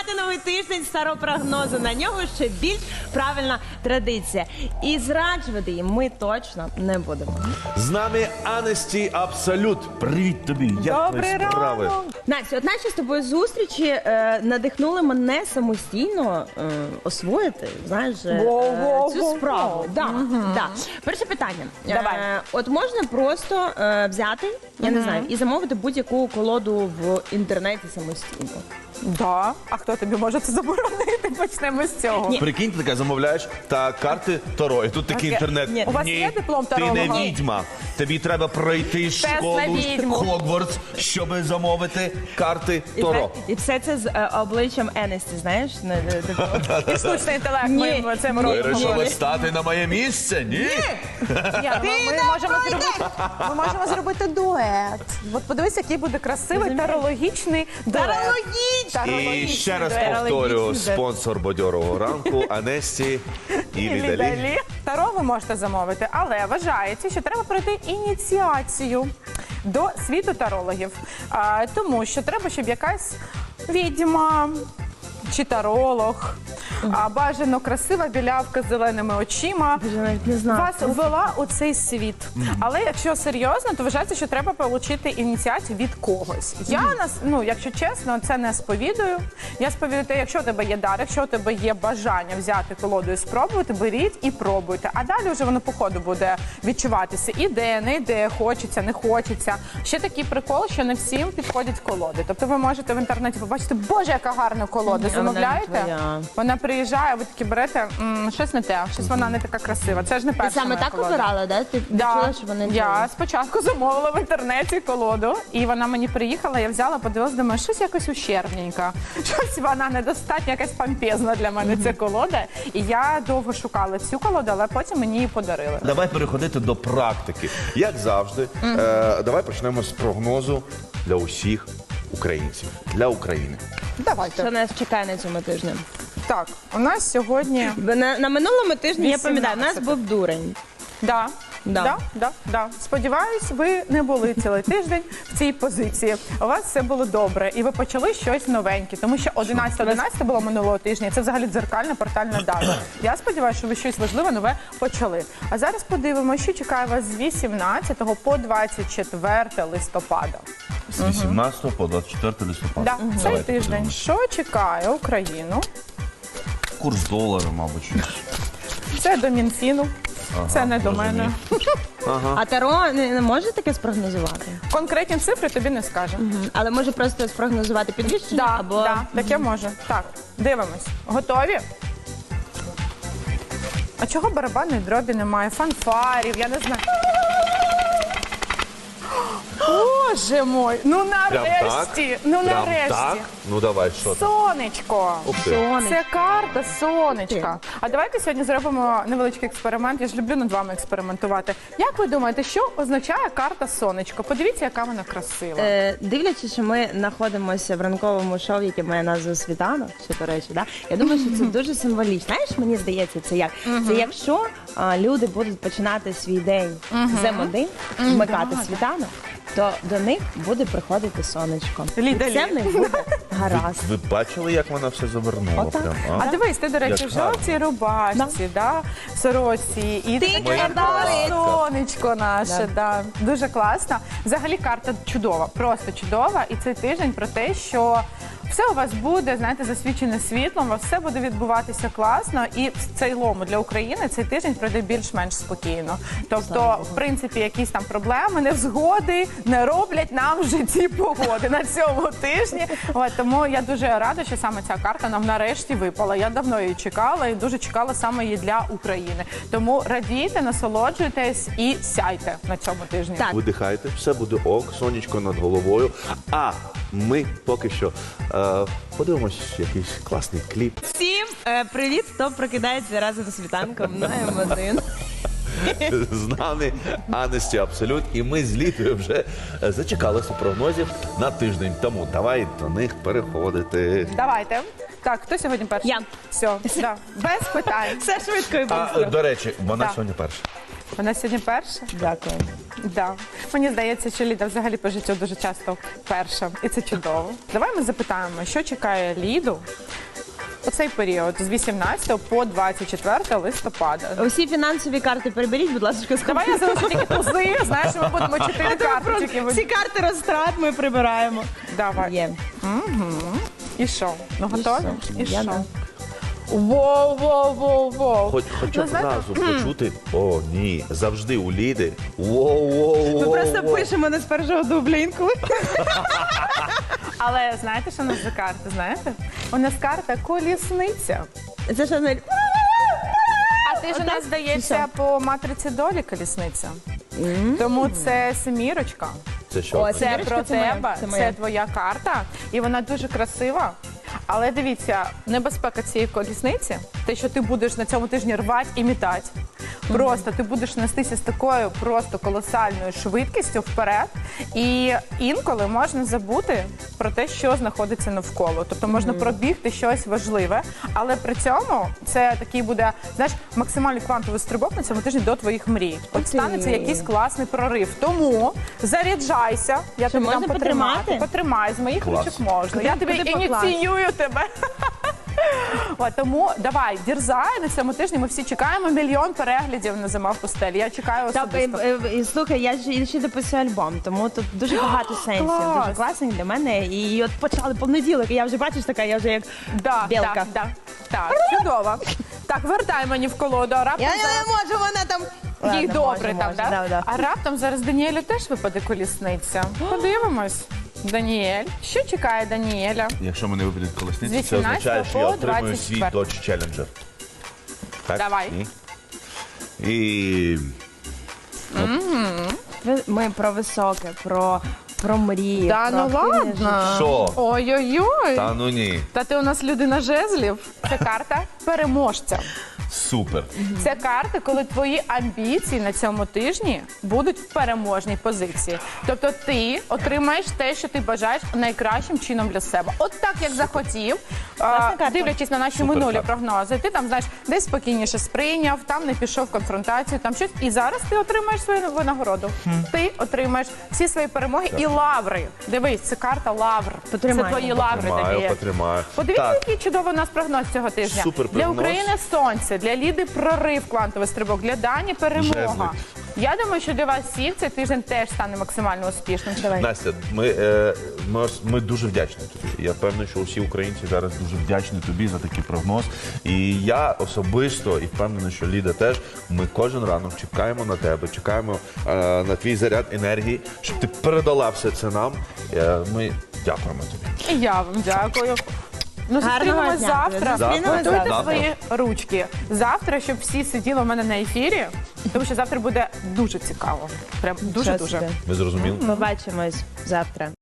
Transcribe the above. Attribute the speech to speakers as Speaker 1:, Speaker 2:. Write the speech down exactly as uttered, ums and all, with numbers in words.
Speaker 1: розпочинати новий тиждень старого прогнозу. На нього ще більш правильна традиція. І зраджувати їм ми точно не будемо.
Speaker 2: З нами Анесті Абсолют. Привіт тобі, як
Speaker 3: Добрий
Speaker 2: твої справи?
Speaker 3: ранок.
Speaker 1: Настя, от наші з тобою зустрічі е, надихнули мене самостійно е, освоїти, знаєш, е,
Speaker 3: Во-во-во-во.
Speaker 1: цю справу. Да, да. Перше питання.
Speaker 3: Давай.
Speaker 1: Е, от можна просто е, взяти, я не знаю, і замовити будь-яку колоду в інтернеті самостійно.
Speaker 3: Да. А хто тобі може це заборонити? Почнемо з цього.
Speaker 1: Ні.
Speaker 2: Прикинь, ти таке замовляєш, та карти Таро. І тут такий
Speaker 3: Таке.
Speaker 2: інтернет.
Speaker 1: Ні.
Speaker 3: У вас є диплом
Speaker 2: ти не
Speaker 3: таролога?
Speaker 2: відьма. Тобі треба пройти школу
Speaker 3: на відьму.
Speaker 2: Хогвартс, щоб замовити карти
Speaker 1: І,
Speaker 2: Таро.
Speaker 1: це- і все це з е, обличчям Енесті, знаєш? Не- не- не-
Speaker 3: І штучний інтелект
Speaker 1: Ні.
Speaker 3: ми цим
Speaker 1: Ні.
Speaker 3: робимо.
Speaker 2: Вирішили стати на моє місце? Ні?
Speaker 3: Ні, ми, ми, можемо зробити, ми можемо зробити дует. От подивись, який буде красивий тарологічний дует.
Speaker 1: Тарологічний!
Speaker 2: І
Speaker 3: Тарологічний
Speaker 2: ще раз
Speaker 3: дует.
Speaker 2: повторю,
Speaker 1: Тарологічний.
Speaker 2: спонсор бадьорого ранку Анесті і
Speaker 3: І
Speaker 2: Лідалі.
Speaker 3: Лідалі. Таро ви можете замовити, але вважається, що треба пройти ініціацію до світу тарологів. А, тому що треба, щоб якась відьма чи таролог, а бажано красива білявка з зеленими очима,
Speaker 1: Я навіть не знаю.
Speaker 3: вас ввела у цей світ. Але якщо серйозно, то вважається, що треба отримати ініціацію від когось. Я нас, ну якщо чесно, це не сповідую. Я сповідую те, якщо у тебе є дар, якщо у тебе є бажання взяти колоду і спробувати, беріть і пробуйте. А далі вже воно по ходу буде відчуватися. Іде, не йде, хочеться, не хочеться. Ще такий прикол, що не всім підходять колоди. Тобто ви можете в інтернеті побачити, боже, яка гарна колода.
Speaker 1: вона не
Speaker 3: Замовляєте?
Speaker 1: твоя.
Speaker 3: Вона приїжджає, ви такі берете, м, щось не те, щось вона не така красива. Це ж не
Speaker 1: Ти
Speaker 3: перша
Speaker 1: саме
Speaker 3: моя
Speaker 1: так
Speaker 3: колода.
Speaker 1: обирала, да? Ти
Speaker 3: Да.
Speaker 1: чула, що вони
Speaker 3: Я спочатку замовила в інтернеті колоду, і вона мені приїхала, я взяла, подивилась, думаю, щось якось ущербненько. Щось вона недостатньо, якась помпезна для мене ця колода. І я довго шукала цю колоду, але потім мені її подарили.
Speaker 2: Давай переходити до практики. Як завжди, е, давай почнемо з прогнозу для усіх українців, для України.
Speaker 3: Давайте.
Speaker 1: Що нас чекає на цьому тижні?
Speaker 3: Так, у нас сьогодні...
Speaker 1: На, на минулому тижні, я пам'ятаю, у нас
Speaker 3: вісімнадцяте.
Speaker 1: був дурень.
Speaker 3: Да.
Speaker 1: Да.
Speaker 3: Да, да, да. Сподіваюсь, ви не були цілий тиждень в цій позиції. У вас все було добре, і ви почали щось новеньке, тому що одинадцяте одинадцяте було минулого тижня. і Це взагалі дзеркальна портальна дата. Я сподіваюся, що ви щось важливе нове почали. А зараз подивимося, що чекає вас з вісімнадцятого по двадцять четверте листопада.
Speaker 2: З вісімнадцятого по двадцять четвертого листопада.
Speaker 3: Да, цей
Speaker 2: Давайте
Speaker 3: тиждень.
Speaker 2: подивимось.
Speaker 3: Що чекає Україну?
Speaker 2: Курс долара, мабуть.
Speaker 3: Це до Мінфіну. Це не до
Speaker 2: зрозумів.
Speaker 3: мене.
Speaker 1: А Таро не, не може таке спрогнозувати?
Speaker 3: Конкретні цифри тобі не скаже.
Speaker 1: Але може просто спрогнозувати підвищення
Speaker 3: Да,
Speaker 1: або...
Speaker 3: да, таке може. Так, дивимось. Готові? А чого барабанної дробі немає? Фанфарів, я не знаю. Боже мой, ну
Speaker 2: Прям так?
Speaker 3: нарешті, ну
Speaker 2: Прям
Speaker 3: нарешті.
Speaker 2: так? Ну давай, що там?
Speaker 3: Сонечко.
Speaker 2: Ух ти.
Speaker 1: Сонечко.
Speaker 3: Це карта сонечка. А давайте сьогодні зробимо невеличкий експеримент. Я ж люблю над вами експериментувати. Як ви думаєте, що означає карта сонечко? Подивіться, яка вона красива.
Speaker 1: Е, дивлячись, що ми знаходимося в ранковому шоу, яке має назву «Світанок», що, до речі, да? Я думаю, що це дуже символічно. Знаєш, мені здається, це як? Це якщо а, люди будуть починати свій день з ем один, вмикати світанок, то до них буде приходити сонечко.
Speaker 3: Ліда,
Speaker 1: І це в них буде гаразд.
Speaker 2: Ви бачили, як вона все завернула?
Speaker 1: Отак.
Speaker 2: Прям,
Speaker 3: А дивись, ти, до речі,
Speaker 2: Як
Speaker 3: в жовтій рубашці, да. в сорочці. І
Speaker 1: Ти
Speaker 3: таке
Speaker 1: красавиця.
Speaker 3: сонечко наше. Да. Дуже класно. Взагалі карта чудова, просто чудова. І цей тиждень про те, що все у вас буде, знаєте, засвічене світлом, у вас все буде відбуватися класно. І в цілому для України цей тиждень пройде більш-менш спокійно. Тобто, в принципі, якісь там проблеми, невзгоди не роблять нам в житті погоди на цьому тижні. От, тому я дуже рада, що саме ця карта нам нарешті випала. Я давно її чекала і дуже чекала саме її для України. Тому радійте, насолоджуйтесь і сяйте на цьому тижні.
Speaker 1: Так.
Speaker 2: Видихайте, все буде ок, сонечко над головою. А ми поки що е, подивимось якийсь класний кліп.
Speaker 1: Всім е, привіт, хто прокидається разом з світанком на ем один.
Speaker 2: З нами Анесті Абсолют, і ми з Лідою вже е, зачекалися прогнозів на тиждень. Тому давай до них переходити.
Speaker 3: Давайте. Так, хто сьогодні перший?
Speaker 1: Я.
Speaker 3: Все, да. Без питань.
Speaker 1: Все швидко і
Speaker 2: А,
Speaker 1: быстро.
Speaker 2: до речі, вона
Speaker 3: Так.
Speaker 2: сьогодні перша.
Speaker 3: Вона сьогодні перша?
Speaker 1: Дякую.
Speaker 3: Да. Мені здається, що Ліда взагалі по життю дуже часто перша. І це чудово. Давай ми запитаємо, що чекає Ліду у цей період з вісімнадцятого по двадцять четверте листопада.
Speaker 1: Усі фінансові карти переберіть, будь ласка, з
Speaker 3: Давай я залишу тільки тузи, знаєш, ми будемо чотири карточки.
Speaker 1: Всі карти розтрат ми прибираємо.
Speaker 3: Давай.
Speaker 1: Є.
Speaker 3: І що? Ну готові? І
Speaker 1: Я
Speaker 3: що?
Speaker 1: да.
Speaker 3: Воу, воу, воу, воу.
Speaker 2: Хоч, хоч
Speaker 3: Ну, знаєте,
Speaker 2: одразу почути, о, ні, завжди у Ліди. Воу-воу-воу.
Speaker 1: Ми просто пишемо не з першого дубля інколи.
Speaker 3: Але знаєте, що у нас за карта, знаєте? У нас карта колісниця.
Speaker 1: Це що, Нель?
Speaker 3: А ти ж у
Speaker 1: Отак?
Speaker 3: нас здається по матриці долі колісниця. Тому це семірочка.
Speaker 2: Це що?
Speaker 1: О,
Speaker 3: Це
Speaker 1: Семірочка
Speaker 3: про
Speaker 1: це моя,
Speaker 3: тебе,
Speaker 1: це
Speaker 3: це,
Speaker 1: моя.
Speaker 3: твоя карта, і вона дуже красива. Але дивіться, небезпека цієї колісниці, те, що ти будеш на цьому тижні рвати і мітати. Просто ти будеш нестися з такою просто колосальною швидкістю вперед, і інколи можна забути про те, що знаходиться навколо. Тобто можна пробігти щось важливе, але при цьому це такий буде, знаєш, максимальний квантовий стрибок на цьому тижні до твоїх мрій. От
Speaker 1: Окей.
Speaker 3: станеться якийсь класний прорив. Тому заряджайся, я
Speaker 1: Що,
Speaker 3: тобі дам
Speaker 1: можна
Speaker 3: потримати.
Speaker 1: потримати?
Speaker 3: Потримай, з моїх
Speaker 2: Клас.
Speaker 3: ручок можна.
Speaker 1: Куди-
Speaker 3: Я тобі
Speaker 1: куди покласти?
Speaker 3: ініціюю тебе. От, тому давай, дірзай, на цьому тижні ми всі чекаємо мільйон переглядів на «Зима в пустелі». Я чекаю
Speaker 1: Так, і,
Speaker 3: особисто.
Speaker 1: і, і, слухай, я ж ще дописую альбом, тому тут дуже багато сенсів,
Speaker 3: Клас.
Speaker 1: дуже класних для мене. І от почали понеділок, і я вже бачиш така, я вже як
Speaker 3: Да,
Speaker 1: білка.
Speaker 3: Так, да, так, чудово. Так, вертай мені в колоду, а раптом
Speaker 1: Я, я
Speaker 3: зараз...
Speaker 1: не можу, вона там.
Speaker 3: Їй
Speaker 1: Ладно,
Speaker 3: добре
Speaker 1: можу,
Speaker 3: там,
Speaker 1: можу,
Speaker 3: да?
Speaker 1: да, да.
Speaker 3: А раптом зараз Даніелю теж випаде колісниця. Подивимось. Даніель. Що чекає Даніеля?
Speaker 2: Якщо мене випадуть
Speaker 3: З
Speaker 2: колесниці, це
Speaker 3: вісімнадцятого
Speaker 2: означає, що я
Speaker 3: по
Speaker 2: отримую
Speaker 3: двадцять
Speaker 2: свій
Speaker 3: четвертий.
Speaker 2: Dodge Challenger. Так?
Speaker 3: Давай.
Speaker 2: І... І...
Speaker 1: Ви- Ми про високе, про, про мрії.
Speaker 3: Та
Speaker 1: про
Speaker 3: ну
Speaker 1: активне
Speaker 3: ладно.
Speaker 1: життя.
Speaker 2: Що?
Speaker 3: Ой-ой-ой.
Speaker 2: Та ну ні.
Speaker 3: Та ти у нас людина жезлів. Це карта переможця.
Speaker 2: Супер.
Speaker 3: Це карта, коли твої амбіції на цьому тижні будуть в переможній позиції. Тобто ти отримаєш те, що ти бажаєш найкращим чином для себе. От так, як захотів, а,
Speaker 1: карта.
Speaker 3: дивлячись на наші
Speaker 2: Супер
Speaker 3: минулі
Speaker 2: карта.
Speaker 3: прогнози, ти там, знаєш, десь спокійніше сприйняв, там не пішов в конфронтацію, там щось. І зараз ти отримаєш свою винагороду. Ти отримаєш всі свої перемоги і лаври. Дивись, це карта лавр.
Speaker 1: Потримай.
Speaker 3: Це твої лаври,
Speaker 2: Потримаю,
Speaker 3: Даніель.
Speaker 2: потримаю.
Speaker 3: Подивіться,
Speaker 2: Так.
Speaker 3: який чудовий у нас прогноз цього тижня.
Speaker 2: Супер
Speaker 3: Для
Speaker 2: прогноз.
Speaker 3: України сонце, для Ліди прорив, квантовий стрибок, для Дані перемога.
Speaker 2: Жезли.
Speaker 3: Я думаю, що для вас всіх цей тиждень теж стане максимально успішним. Давай.
Speaker 2: Настя, ми, е, ми, ос- ми дуже вдячні тобі. Я впевнений, що усі українці зараз дуже вдячні тобі за такий прогноз. І я особисто і впевнений, що Ліда теж. Ми кожен ранок чекаємо на тебе, чекаємо е, на твій заряд енергії, щоб ти передала все це нам. Е, ми дякуємо тобі.
Speaker 3: І я вам дякую. Ну,
Speaker 1: Гарного
Speaker 3: зустрінемось
Speaker 1: дня.
Speaker 3: завтра.
Speaker 1: Зустрінемось
Speaker 3: Готуйте
Speaker 2: завтра.
Speaker 3: свої ручки. Завтра, щоб всі сиділи у мене на ефірі, тому що завтра буде дуже цікаво. Прям
Speaker 1: Що
Speaker 3: дуже-дуже.
Speaker 1: собі.
Speaker 2: Ви зрозуміли?
Speaker 1: Побачимось завтра.